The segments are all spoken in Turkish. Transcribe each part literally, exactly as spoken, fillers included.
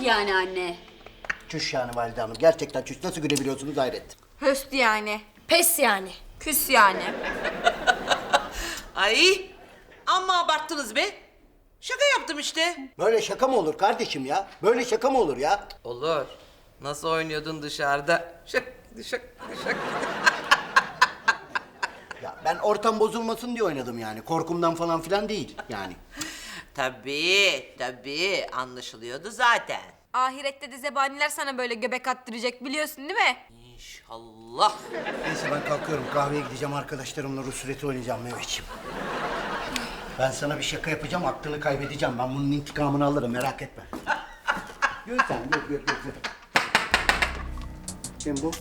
yani anne? Çüş yani valide hanım. Gerçekten çüş. Nasıl gülebiliyorsunuz hayret. Höst yani. Pes yani. Küs yani. Ay amma abarttınız be. Şaka yaptım işte. Böyle şaka mı olur kardeşim ya? Böyle şaka mı olur ya? Olur. Nasıl oynuyordun dışarıda? Şak şak şak. Ya ben ortam bozulmasın diye oynadım yani. Korkumdan falan filan değil yani. Tabii tabii anlaşılıyordu zaten. Ahirette de zebaniler sana böyle göbek attıracak biliyorsun değil mi? İnşallah. Neyse ben kalkıyorum. Kahveye gideceğim arkadaşlarımla Rus ruleti oynayacağım Mehmetciğim. Ben sana bir şaka yapacağım, aklını kaybedeceğim. Ben bunun intikamını alırım, merak etme. Gör sen, gör, gör, gör. gör. Kim bu?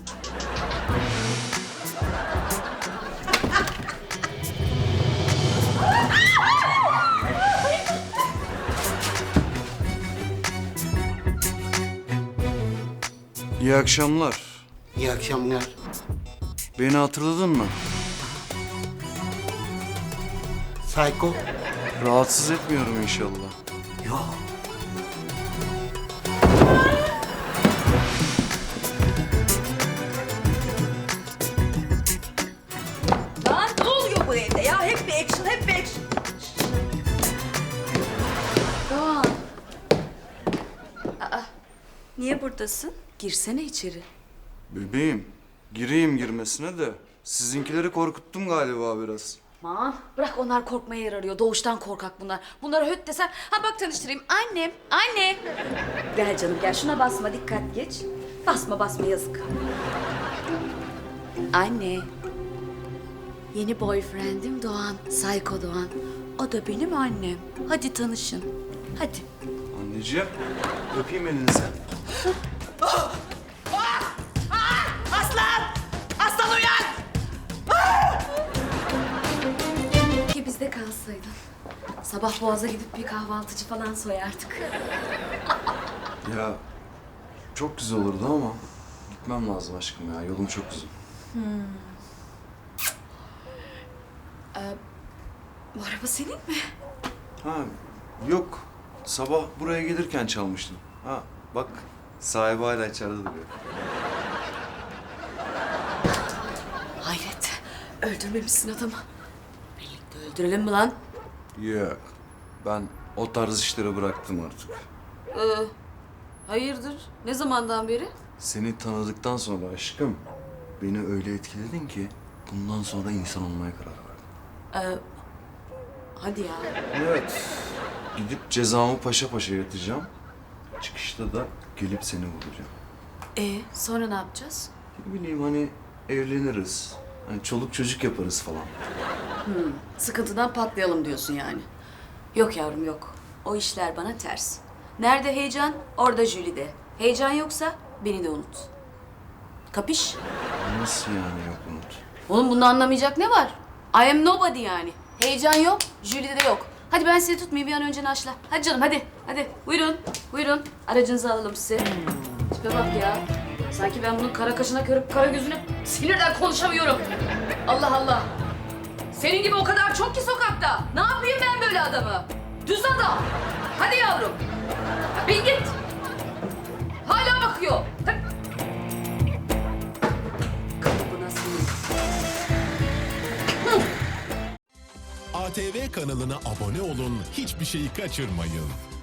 İyi akşamlar. İyi akşamlar. Beni hatırladın mı? Psycho. Rahatsız etmiyorum inşallah. Yok. Lan ne oluyor bu evde ya? Hep bir action, hep bir action. Doğan. Aa, niye buradasın? Girsene içeri. Bebeğim, gireyim girmesine de sizinkileri korkuttum galiba biraz. Aman bırak, onlar korkmaya yer arıyor. Doğuştan korkak bunlar. Bunlara höt desen. Ha bak tanıştırayım. Annem, anne. Gel canım gel, şuna basma, dikkat geç. Basma basma, yazık. Anne. Yeni boyfriendim Doğan. Psycho Doğan. O da benim annem. Hadi tanışın. Hadi. Anneciğim, öpeyim elinizi. Aslan! Aslan uyan! Ki bizde kalsaydın. Sabah Boğaz'a gidip bir kahvaltıcı falan soyardık. Ya, çok güzel olurdu ama gitmem lazım aşkım ya. Yolum çok uzun. Bu araba senin mi? Ha, yok. Sabah buraya gelirken çalmıştım. Ha, bak sahibi hala içeride duruyor. Hayret. Öldürmemişsin adamı. Birlikte öldürelim mi lan? Yok. Ben o tarz işleri bıraktım artık. Ee, hayırdır? Ne zamandan beri? Seni tanıdıktan sonra aşkım beni öyle etkiledin ki bundan sonra insan olmaya karar verdim. Ee, hadi ya. Evet. Gidip cezamı paşa paşa yatacağım. Çıkışta da gelip seni bulacağım. Ee, sonra ne yapacağız? Ne bileyim hani evleniriz. Hani çoluk çocuk yaparız falan. Sıkıntıdan patlayalım diyorsun yani. Yok yavrum yok. O işler bana ters. Nerede heyecan, orada Jülide. Heyecan yoksa beni de unut. Kapış? Nasıl yani yok Umut? Oğlum bunda anlamayacak ne var? I am nobody yani. Heyecan yok, Jülide de yok. Hadi ben sizi tutmayayım, bir an önce naşla. Hadi canım hadi, hadi. Buyurun, buyurun. Aracınızı alalım size. Tipe bak ya. Sanki ben bunun kara kaşına körüp kara gözüne sinirden konuşamıyorum. Allah Allah. Senin gibi o kadar çok ki sokakta. Ne yapayım ben böyle adamı? Düz adam. Hadi yavrum. Ya bin git. Hala bakıyor. Hadi. Kalıbına sinir. A T V kanalına abone olun, hiçbir şeyi kaçırmayın.